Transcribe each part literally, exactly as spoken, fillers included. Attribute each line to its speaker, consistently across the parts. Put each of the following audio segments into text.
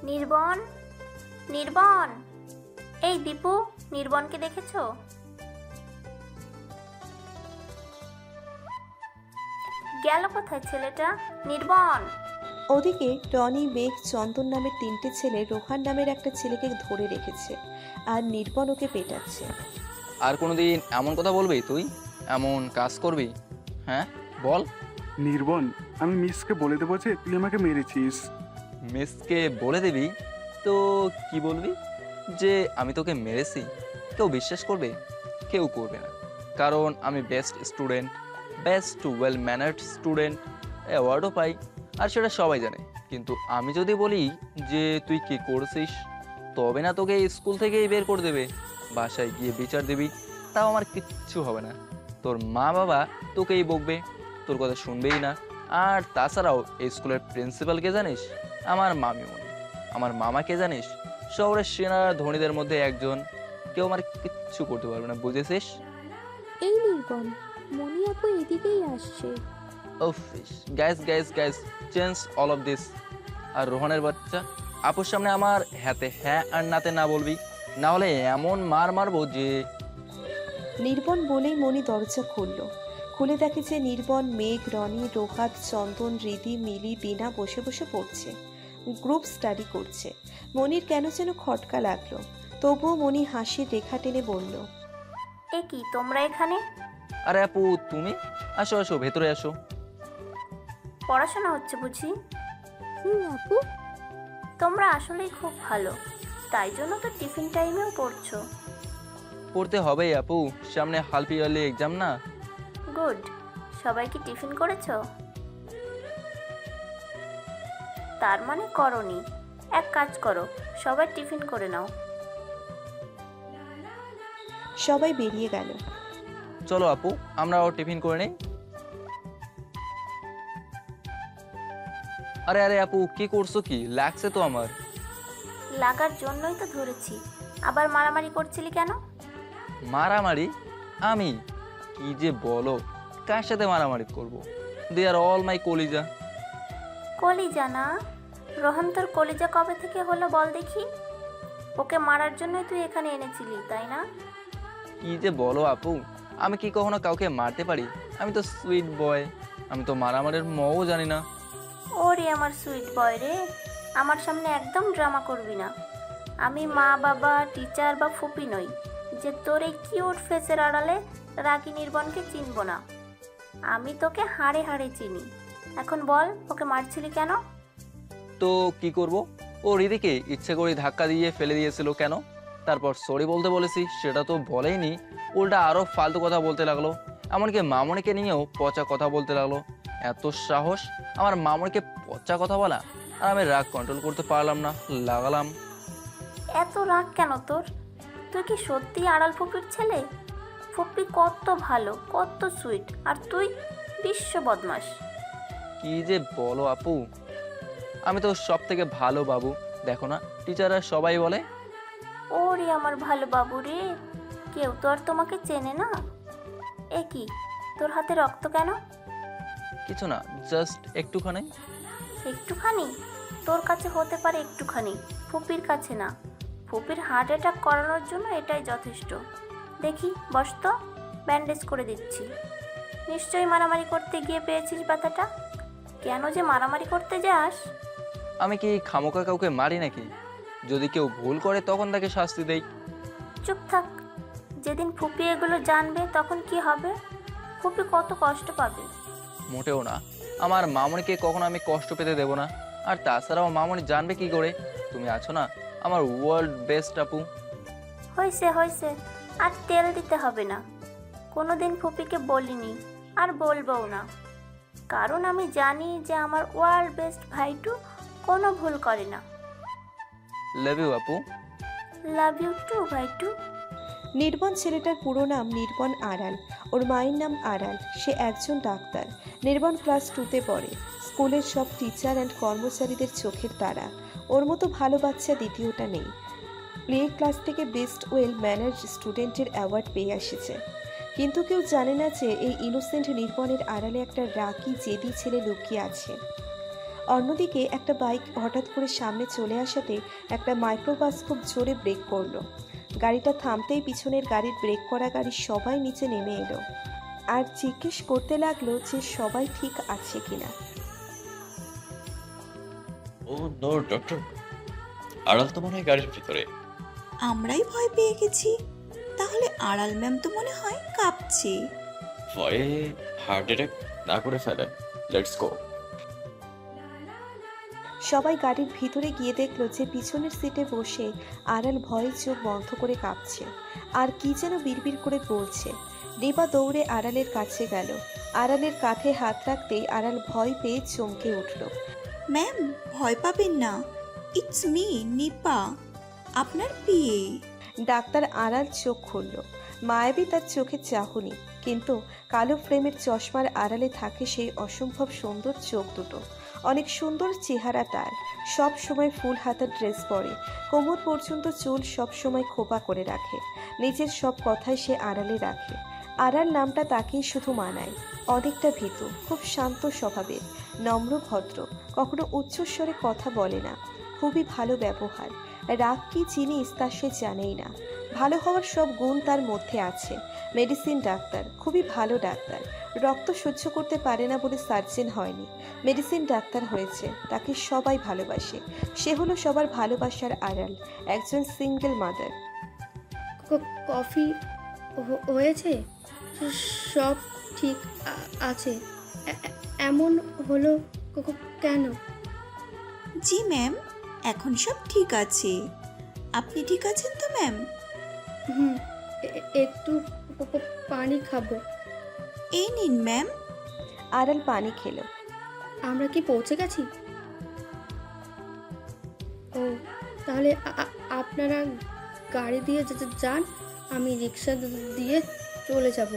Speaker 1: নির্বন, নির্বন, এই দীপু, নির্বনকে দেখেছো? গেল কোথায় ছেলেটা? নির্বন।
Speaker 2: ওদিকে টনি, মেঘ, চন্দন নামের তিনটে ছেলে রোহান নামের একটা ছেলেকে ধরে রেখেছে, আর নির্বন ওকে পেটাচ্ছে।
Speaker 3: আর কোনোদিন এমন কথা বলবি তুই? এমন কাজ করবি? হ্যাঁ বল।
Speaker 4: নির্বন, আমি মিসকে বলে দেবো যে তুই আমাকে মেরেছিস।
Speaker 3: মিসকে বলে দিবি? তো কি বলবি? যে আমি তোকে মেরেছি? কেউ বিশ্বাস করবে? কেউ করবে না, কারণ আমি best student, best well mannered student, অ্যাওয়ার্ডও পাই, আর সেটা সবাই জানে। কিন্তু আমি যদি বলি যে তুই কি করছিস, তবে না তোকে স্কুল থেকেই বের করে দেবে, বাসায় গিয়ে বিচার দিবি, তাও আমার কিচ্ছু হবে না। তোর মা বাবা তোকেই বকবে, তোর কথা শুনবেই না। আর তাছাড়াও এই স্কুলের প্রিন্সিপালকে জানিস? আমার মামিমণি। আমার মামাকে জানিস? শহরের সেনা ধনীদের মধ্যে একজন। কেউ আমার কিচ্ছু করতে পারবে না, বুঝেছিস?
Speaker 5: এই নির্বন, মনি আপু এদিকেই আসছে।
Speaker 3: ওফ, guys guys guys, change all of this. আর রোহনের বাচ্চা, আপুর সামনে আমার হাতে হ্যাঁ আর নাতে না বলবি, না হলে এমন মার মারবো যে।
Speaker 2: নির্বন বলেই মনি দরজা খুলল। খুলে দেখে যে নির্বন, মেঘ, রনি, রোহাত, চন্দন, রিদি, মিলি, বিনা বসে বসে পড়ছে, গ্রুপ স্টাডি করছে। মনির কেন যেন খটকা লাগলো, তবুও মনি হাসির রেখা টেনে বলল,
Speaker 1: এ কি তোমরা এখানে?
Speaker 3: আরে আপু তুমি, আসো আসো, ভেতরে আসো।
Speaker 1: পড়াশোনা হচ্ছে বুঝি?
Speaker 5: হুম আপু।
Speaker 1: তোমরা আসলেই খুব ভালো, তাই জন্য তো টিফিন টাইমেও পড়ছো।
Speaker 3: পড়তে হবেই আপু, সামনে হালফ ইয়ারলি এক্সাম না।
Speaker 1: গুড। সবাই কি টিফিন করেছো? তার মানে করনি। এক কাজ করো, সবাই টিফিন করে নাও।
Speaker 2: সবাই বেরিয়ে গেল।
Speaker 3: চলো আপু, আমরাও টিফিন করে নেই। আরে আরে আপু, কি করছো? কি লাগছে তো আমার।
Speaker 1: লাগার জন্যই তো ধরেছি। আবার মারামারি করছিলি কেন?
Speaker 3: মারামারি? আমি? কি যে বলো, কার সাথে মারামারি করব? দে আর অল মাই কলিজা।
Speaker 1: কলিজা না? রোহন তোর কলিজা কবে থেকে হলো বল দেখি? ওকে মারার জন্যই তুই এখানে এনেছিলি, তাই না?
Speaker 3: কি যে বলো আপু, আমি কি কখনো কাউকে মারতে পারি? আমি তো সুইট বয়, আমি তো মারামারির মও জানি না।
Speaker 1: ওরে আমার সুইট বয় রে, আমার সামনে একদম ড্রামা করবি না। আমি মা বাবা, টিচার বা ফুপি নই যে তোর এই কিউট ফেসের আড়ালে রাগী নির্বনকে চিনব না। আমি তোকে হাড়ে হাড়ে চিনি। এখন বল, ওকে মারছিলি কেন?
Speaker 3: তো কি করব? ও রিদিকে ইচ্ছে করে ধাক্কা দিয়ে ফেলে দিয়েছিল কেন? তারপর সরি বলতে বলেছি, সেটা তো বলেইনি, উল্টা আরো ফালতু কথা বলতে লাগলো। এমনকি মামনিকে নিয়েও পচা কথা বলতে লাগলো। এত সাহস আমার মামনিকে পচা কথা বলা! আর আমি রাগ কন্ট্রোল করতে পারলাম না, লাগালাম।
Speaker 1: এত রাগ কেন তোর? তুই কি সত্যি আড়াল ফুপির ছেলে? ফুপি কত ভালো, কত সুইট, আর তুই বিশ্ব বদমাস।
Speaker 3: কি যে বলো আপু, আমি তো সব থেকে ভালো বাবু, দেখো না টিচাররা সবাই বলে।
Speaker 1: ওরে আমার ভালো বাবু রে, কেউ তো আর তোমাকে চেনে না। এ কি, তোর হাতে রক্ত কেন?
Speaker 3: কিছু না, জাস্ট একটুখানি।
Speaker 1: একটুখানি? তোর কাছে হতে পারে একটুখানি, ফুপির কাছে না। ফুপির হার্ট অ্যাটাক করানোর জন্য এটাই যথেষ্ট। দেখি বস তো, ব্যান্ডেজ করে দিচ্ছি। নিশ্চয়ই মারামারি করতে গিয়ে পেয়েছিস ব্যথাটা। কেন যে মারামারি করতে যাস?
Speaker 3: আমি কি খামোকা কাউকে মারি নাকি? যদি কেউ ভুল করে তখন তাকে শাস্তি দেই।
Speaker 1: চুপ থাক। যেদিন ফুপি এগুলো জানবে তখন কি হবে? ফুপি কত কষ্ট পাবে।
Speaker 3: মোটেও না, আমার মামনিকে কখনো আমি কষ্ট পেতে দেব না। আর তাছাড়াও মামনি জানবে কি করে? তুমি আছো না, আমার ওয়ার্ল্ড বেস্ট আপু।
Speaker 1: হয়েছে হয়েছে, আর তেল দিতে হবে না। কোনো দিন ফুপিকে বলিনি, আর বলবও না। কারণ আমি জানি যে আমার ওয়ার্ল্ড বেস্ট ভাইটু কোনো ভুল করে না।
Speaker 3: লাভ ইউ আপু।
Speaker 1: Love you two ভাইটু।
Speaker 2: নির্বন ছেলেটার পুরো নাম নির্বন আড়াল। ওর মায়ের নাম আড়াল, সে একজন ডাক্তার। নির্বন ক্লাস টুতে পড়ে। স্কুলের সব টিচার অ্যান্ড কর্মচারীদের চোখের তারা। ওর মতো ভালো বাচ্চা দ্বিতীয়টা নেই। প্লে ক্লাস থেকে বেস্ট ওয়েল ম্যানার স্টুডেন্টের অ্যাওয়ার্ড পেয়ে এসেছে। কিন্তু কেউ জানে না যে এই ইনোসেন্ট নির্বনের আড়ালে একটা রাগী জেদি ছেলে লুকিয়ে আছে। অন্যদিকে একটা বাইক হঠাৎ করে সামনে চলে আসাতে একটা মাইক্রোবাস খুব জোরে ব্রেক করলো। গাড়িটা থামতেই পিছনের গাড়ির ব্রেক করা গাড়ির সবাই নিচে নেমে এলো আর জিজ্ঞেস করতে লাগলো যে সবাই ঠিক আছে কিনা।
Speaker 6: ও নো ডক্টর, আড়াল তো মনে হয় গাড়ির ভিতরে।
Speaker 7: আমরাই ভয় পেয়ে গেছি। তাহলে আড়াল ম্যাম তো মনে হয় কাঁপছে।
Speaker 6: ভয়ে হার্ট অ্যাটাক না করে ফেলেন। Let's go.
Speaker 2: সবাই গাড়ির ভিতরে গিয়ে দেখলো যে পিছনের সিটে বসে আড়াল ভয়ে চোখ বন্ধ করে কাঁপছে আর কি যেন বিড়বিড় করে বলছে। রিবা দৌড়ে আড়ালের কাছে গেল। আড়ালের কাঁধে হাত রাখতেই আড়াল ভয় পেয়ে চমকে উঠল।
Speaker 7: ম্যাম ভয় পাবেন না, ইটস মি নিপা, আপনার বিয়ে।
Speaker 2: ডাক্তার আড়াল চোখ খুলল। মায়াবী তার চোখে চাহনি, কিন্তু কালো ফ্রেমের চশমার আড়ালে থাকে সেই অসম্ভব সুন্দর চোখ দুটো। অনেক সুন্দর চেহারা তার। সব সময় ফুল হাতা ড্রেস পরে, কোমর পর্যন্ত চুল সব সময় খোপা করে রাখে। নিজের সব কথাই সে আড়ালে রাখে। আড়াল নামটা তাকেই শুধু মানায়। অনেকটা ভীতু, খুব শান্ত স্বভাবের, নম্র ভদ্র, কখনো উচ্চস্বরে কথা বলে না, খুবই ভালো ব্যবহার। রাগ কি জিনিস তা সে জানেই না। ভালো হওয়ার সব গুণ তার মধ্যে আছে। মেডিসিন ডাক্তার, খুবই ভালো ডাক্তার। রক্ত সহ্য করতে পারে না বলে সার্জেন হয়নি, মেডিসিন ডাক্তার হয়েছে। তাকে সবাই ভালোবাসে। সে হলো সবার ভালোবাসার আড়াল, একজন সিঙ্গেল মাদার।
Speaker 5: কফি হ- হয়েছে? সব ঠিক আ- আছে? এ- এ- এমন হলো ক- ক- কেন?
Speaker 7: জি ম্যাম, এখন সব ঠিক আছে। আপনি ঠিক আছেন তো ম্যাম?
Speaker 5: হুম, এ- একটু প- প- পানি খাবো।
Speaker 7: এই নিন ম্যাম।
Speaker 2: আড়াল পানি খেলো।
Speaker 5: আমরা কি পৌঁছে গেছি? ও, তাহলে আ- আ- আপনারা গাড়ি দিয়ে যা- যা- যান, আমি রিক্সা দ- দিয়ে চলে যাব।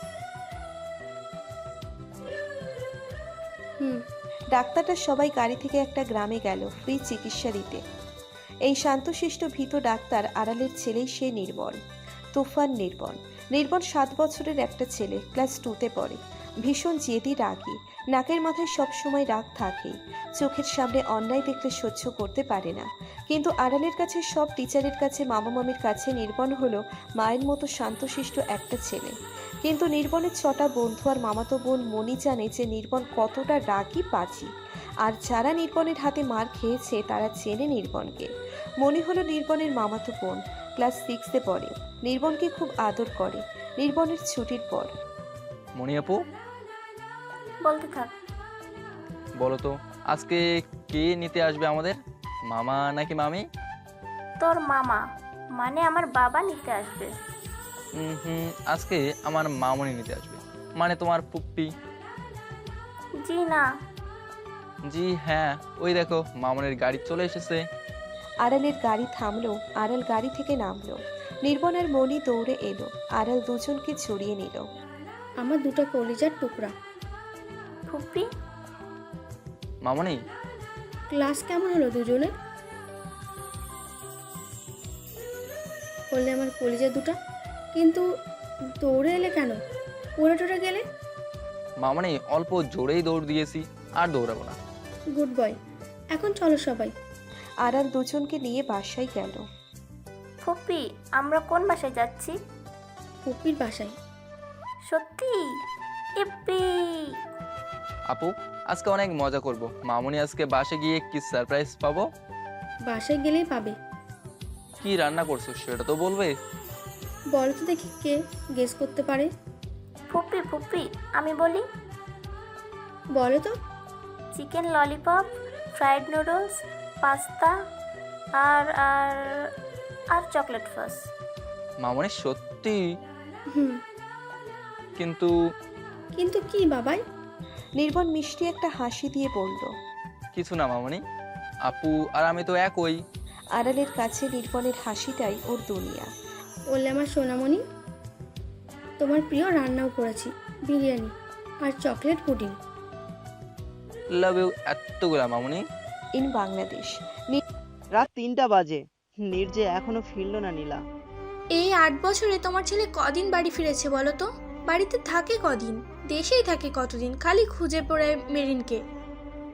Speaker 5: হুম।
Speaker 2: ডাক্তারটা সবাই গাড়ি থেকে একটা গ্রামে গেল ফ্রি চিকিৎসা দিতে। এই শান্তশিষ্ট ভীত ডাক্তার আড়ালের ছেলেই সে নির্বল, তুফান নির্বল। নির্বল সাত বছরের একটা ছেলে, ক্লাস টুতে পড়ে। ভীষণ জেদি, রাগী, নাকের মাথায় সবসময় রাগ থাকেই। চোখের সামনে অন্যায় দেখলে সহ্য করতে পারে না। কিন্তু আড়ালের কাছে, সব টিচারের কাছে, মামা মামির কাছে নির্বল হলো মায়ের মতো শান্তশিষ্ট একটা ছেলে। কিন্তু নির্বনের ছটা বন্ধু আর মামাতো বোন মনি জানে যে নির্বন কতটা রাগী, পাজি। আর যারা নির্বনের হাতে মার খেয়েছে তারা চেনে নির্বনকে। মনি হলো নির্বনের মামাতো বোন, ক্লাস সিক্সে পড়ে। নির্বনকে খুব আদর করে। নির্বনের ছুটির পর
Speaker 3: মনি আপু,
Speaker 1: বলতে থাক।
Speaker 3: বলো তো আজকে কে নিতে আসবে আমাদের, মামা নাকি মামি?
Speaker 1: তোর মামা, মানে আমার বাবা নিতে আসবে।
Speaker 3: হুম হুম আজকে আমার মামনি নিতে আসবে, মানে তোমার পুপ্পি।
Speaker 1: জি না।
Speaker 3: জি হ্যাঁ, ওই দেখো মামনের গাড়ি চলে এসেছে।
Speaker 2: আড়ালের গাড়ি থামলো। আড়াল গাড়ি থেকে নামলো। নির্বন আর মনি দৌড়ে এলো। আড়াল দুজনকে জড়িয়ে নিল।
Speaker 5: আমার দুটো কলিজার টুকরা।
Speaker 1: ফুপি,
Speaker 3: মামনি,
Speaker 5: ক্লাস কেমন হলো দুজনে? বললে আমার কলিজা দুটা। কিন্তু দৌড়ে এলে কেন? পড়ে টরে গেলে?
Speaker 3: মামনি অল্প জোরেই দৌড় দিয়েছি, আর দৌড়াবো না।
Speaker 5: Good boy. এখন চলো সবাই।
Speaker 2: আড়াল দুজনকে নিয়ে বাসায় গেল।
Speaker 1: ফুপি, আমরা কোন বাসায় যাচ্ছি?
Speaker 5: পুপির বাসায়।
Speaker 1: সত্যি? ইপ্পি!
Speaker 3: আপু, আজকে অনেক মজা করব। মামনি আজকে বাসে গিয়ে কি সারপ্রাইজ পাবো?
Speaker 5: বাসায় গেলেই পাবে।
Speaker 3: কি রান্না করছো সেটা তো বলবে।
Speaker 5: বলো তো দেখি কে গেস করতে পারে।
Speaker 1: ফুপি ফুপি, আমি বলি।
Speaker 5: বলো তো।
Speaker 1: Chicken lollipop, fried noodles, pasta আর আর আর চকলেট ফাস।
Speaker 3: মামনি সত্যি?
Speaker 5: হুম।
Speaker 3: কিন্তু
Speaker 5: কিন্তু কি বাবাই?
Speaker 2: নির্বন মিষ্টি একটা হাসি দিয়ে বলল।
Speaker 3: কিছু না মামনি, আপু আর আমি তো একই।
Speaker 2: আড়ালের কাছে নির্বনের হাসিটাই ওর দুনিয়া।
Speaker 5: বললে আমার সোনামণি, তোমার প্রিয় রান্নাও করেছি, বিরিয়ানি আর চকলেট পুডিং।
Speaker 3: লাভ ইউ এতগুলা মামনি।
Speaker 2: ইন বাংলাদেশ।
Speaker 8: রাত তিনটা বাজে, নির্জে এখনো ফিরল না নীলা।
Speaker 9: এই আট বছরে তোমার ছেলে কদিন বাড়ি ফিরেছে বলো তো? বাড়িতে থাকে কদিন, দেশেই থাকে কতদিন, খালি খুঁজে পড়ে মেরিনকে।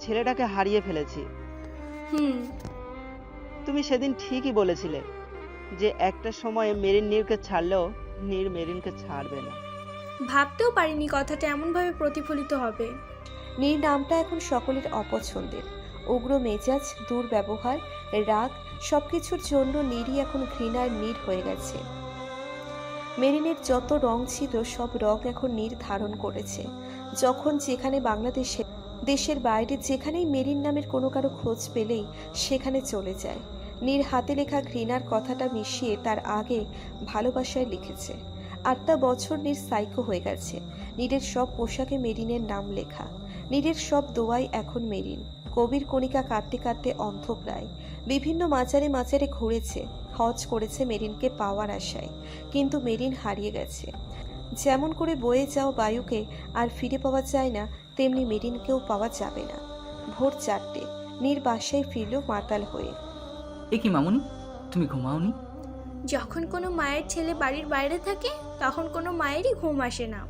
Speaker 8: ছেলেটাকে হারিয়ে ফেলেছি।
Speaker 9: হুম।
Speaker 8: তুমি সেদিন ঠিকই বলেছিলে যে একটা সময়ে মেরিন নীরকে ছাড়লেও নীর মেরিনকে ছাড়বে না।
Speaker 9: ভাবতেও পারিনি কথাটা এমনভাবে প্রতিফলিত হবে।
Speaker 2: নীর নামটা এখন সকলের অপছন্দের। উগ্র মেজাজ, দুর্ব্যবহার, রাগ সবকিছুর জন্য নীরই এখন ঘৃণার নীর হয়ে গেছে। মেরিনের যত রং ছিল সব রং এখন নীর ধারণ করেছে। যখন যেখানে বাংলাদেশে দেশের বাইরে যেখানেই মেরিন নামের কোনো কারো খোঁজ পেলেই সেখানে চলে যায়। নীর হাতে লেখা ঘৃণার কথাটা মিশিয়ে তার আগে ভালোবাসায় লিখেছে। আটটা বছর নীর সাইকো হয়ে গেছে। নীরের সব পোশাকে মেরিনের নাম লেখা। নীরের সব দোয়াই এখন মেরিন। কবির কণিকা কাটতে কাটতে অন্ধপ্রায়। বিভিন্ন মাজারে মাজারে ঘুরেছে, হজ করেছে মেরিনকে পাওয়ার আশায়, কিন্তু মেরিন হারিয়ে গেছে। যেমন করে বয়ে যাওয়া বায়ুকে আর ফিরে পাওয়া যায় না, তেমনি মেরিনকেও পাওয়া যাবে না। ভোর চারটে, নীর বাসায় ফিরল মাতাল হয়ে।
Speaker 10: এ কি মামুনি, তুমি ঘুমাওনি?
Speaker 9: যখন কোনো মায়ের ছেলে বাড়ির বাইরে থাকে তখন কোনো মায়েরই ঘুম আসে না।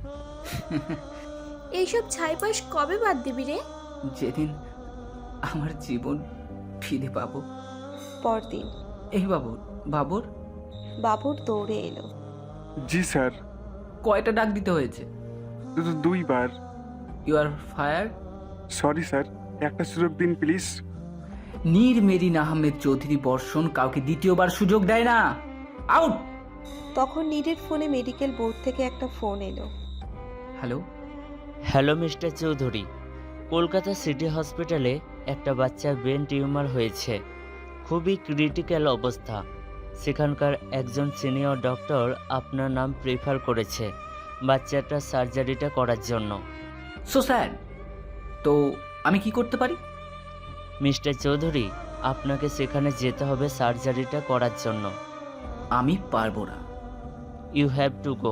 Speaker 9: এইসব ছাইপাশ কবে বাদ দিবি রে?
Speaker 10: যেদিন আমার জীবন ফিরে পাবো।
Speaker 2: পরদিন
Speaker 10: এই বাবুর বাবুর
Speaker 2: বাবুর দৌড়ে এলো।
Speaker 4: জি স্যার।
Speaker 10: কয়টা ডাক দিতে হয়েছে?
Speaker 4: দু- দুইবার।
Speaker 10: You are fired.
Speaker 4: Sorry sir, একটা সুযোগ দিন প্লিজ।
Speaker 10: নীর মেরিন আহমেদ চৌধুরী বর্ষণ কাউকে দ্বিতীয়বার সুযোগ দেয় না। আউট।
Speaker 2: তখন নীরের ফোনে মেডিকেল বোর্ড থেকে একটা ফোন এলো।
Speaker 10: Hello.
Speaker 11: Hello mister Chowdhury, Kolkata city হসপিটালে একটা বাচ্চার ব্রেন টিউমার হয়েছে, খুবই ক্রিটিক্যাল অবস্থা। সেখানকার একজন সিনিয়র ডক্টর আপনার নাম প্রেফার করেছে বাচ্চাটার সার্জারিটা করার জন্য।
Speaker 10: সো স্যার, তো আমি কি করতে পারি?
Speaker 11: মিস্টার চৌধুরী, আপনাকে সেখানে যেতে হবে সার্জারিটা করার জন্য।
Speaker 10: আমি পারবো না।
Speaker 11: You have to go.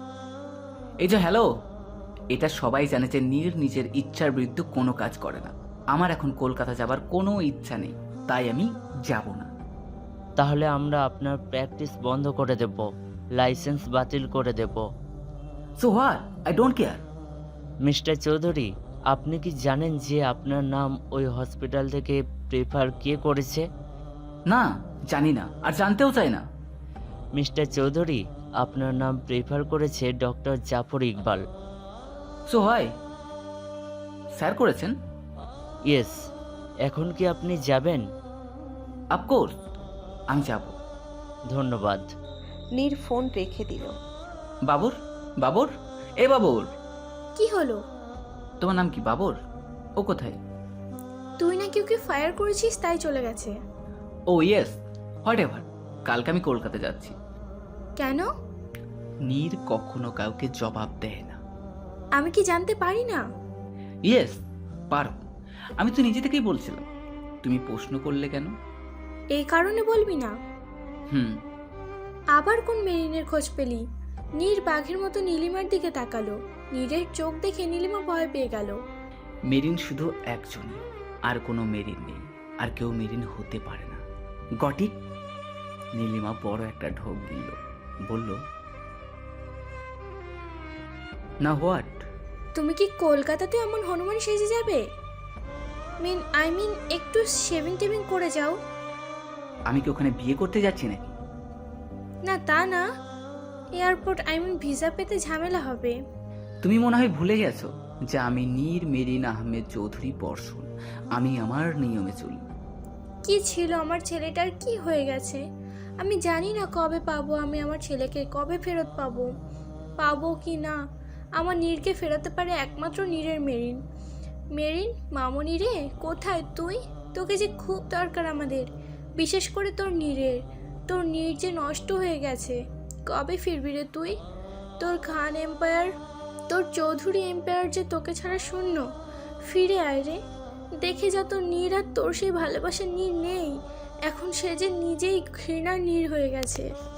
Speaker 10: এই যে হ্যালো, এটা সবাই জানে যে নীর নিজের ইচ্ছার বিরুদ্ধে কোনো কাজ করে না। আমার এখন কলকাতা যাবার কোনো ইচ্ছা নেই, তাই আমি যাব না।
Speaker 11: তাহলে আমরা আপনার প্র্যাকটিস বন্ধ করে দেব, লাইসেন্স বাতিল করে দেব।
Speaker 10: So what, I don't care.
Speaker 11: Mister Chowdhury, আপনি কি জানেন যে আপনার নাম ওই হসপিটাল থেকে প্রেফার কে করেছে?
Speaker 10: না, জানি না, আর জানতেও চাই না।
Speaker 11: মিস্টার চৌধুরী, আপনার নাম প্রেফার করেছে ডক্টর জাফর ইকবাল।
Speaker 10: সো হয়, স্যার করেছেন?
Speaker 11: ইয়েস। এখন কি আপনি যাবেন?
Speaker 10: অফকোর্স, আমি যাব।
Speaker 11: ধন্যবাদ।
Speaker 2: নীর ফোন রেখে দিল।
Speaker 10: বাবুর, বাবুর, এ বাবুর।
Speaker 9: কি হলো?
Speaker 10: তোমার নাম কি বাবুর? ও কোথায়?
Speaker 9: তুই নাকি ওকে ফায়ার করেছিস তাই চলে গেছে।
Speaker 10: Oh yes, whatever. কালকে আমি কলকাতা যাচ্ছি।
Speaker 9: কেন?
Speaker 10: নীর কখনো কাউকে জবাব দেয় না।
Speaker 9: আমি কি জানতে পারি না?
Speaker 10: ইয়েস, পারো। আমি তো নিজে থেকেই বলছিলাম, তুমি প্রশ্ন করলে কেন?
Speaker 9: এই কারণে বলবি না?
Speaker 10: হুম।
Speaker 9: আবার কোন মেরিনের খোঁজ পেলি? নীর বাঘের মতো নীলিমার দিকে তাকালো। নীরের চোখ দেখে নীলিমা ভয় পেয়ে গেল।
Speaker 10: মেরিন শুধু একজনই, আর কোনো মেরিন নেই, আর কেউ মেরিন হতে পারে না। গটি। নীলিমা বড় একটা ঢোক দিল, বলল, না হোয়াট?
Speaker 9: তুমি কি কলকাতাতে এমন হনুমান সেজে যাবে? মিন আই মিন একটু শেভিং টেভিং করে যাও।
Speaker 10: আমি কি ওখানে বিয়ে করতে যাচ্ছি নাকি?
Speaker 9: না তা না, এয়ারপোর্ট আই মিন ভিসা পেতে ঝামেলা হবে।
Speaker 10: তুমি মনে হয় ভুলে গেছো যে আমি নীর মেরিন আহমেদ চৌধুরী বর্ষণ। আমি আমার নিয়মে চলি।
Speaker 9: কি ছিল আমার ছেলেটার, কি হয়ে গেছে? আমি জানি না কবে পাবো আমি আমার ছেলেকে, কবে ফেরত পাবো পাবো কি না। আমার নীরকে ফেরাতে পারে একমাত্র নীরের মেরিন। মেরিন মামনি রে, কোথায় তুই? তোকে যে খুব দরকার আমাদের, বিশেষ করে তোর নীরের। তোর নীর যে নষ্ট হয়ে গেছে, কবে ফিরবি রে তুই? তোর খান এম্পায়ার, তোর চৌধুরী এম্পায়ার যে তোকে ছাড়া শূন্য। ফিরে আয় রে, দেখে যা তোর নীর আর তোর সেই ভালোবাসার নীর নেই। এখন সে যে নিজেই ঘৃণার নীর হয়ে গেছে।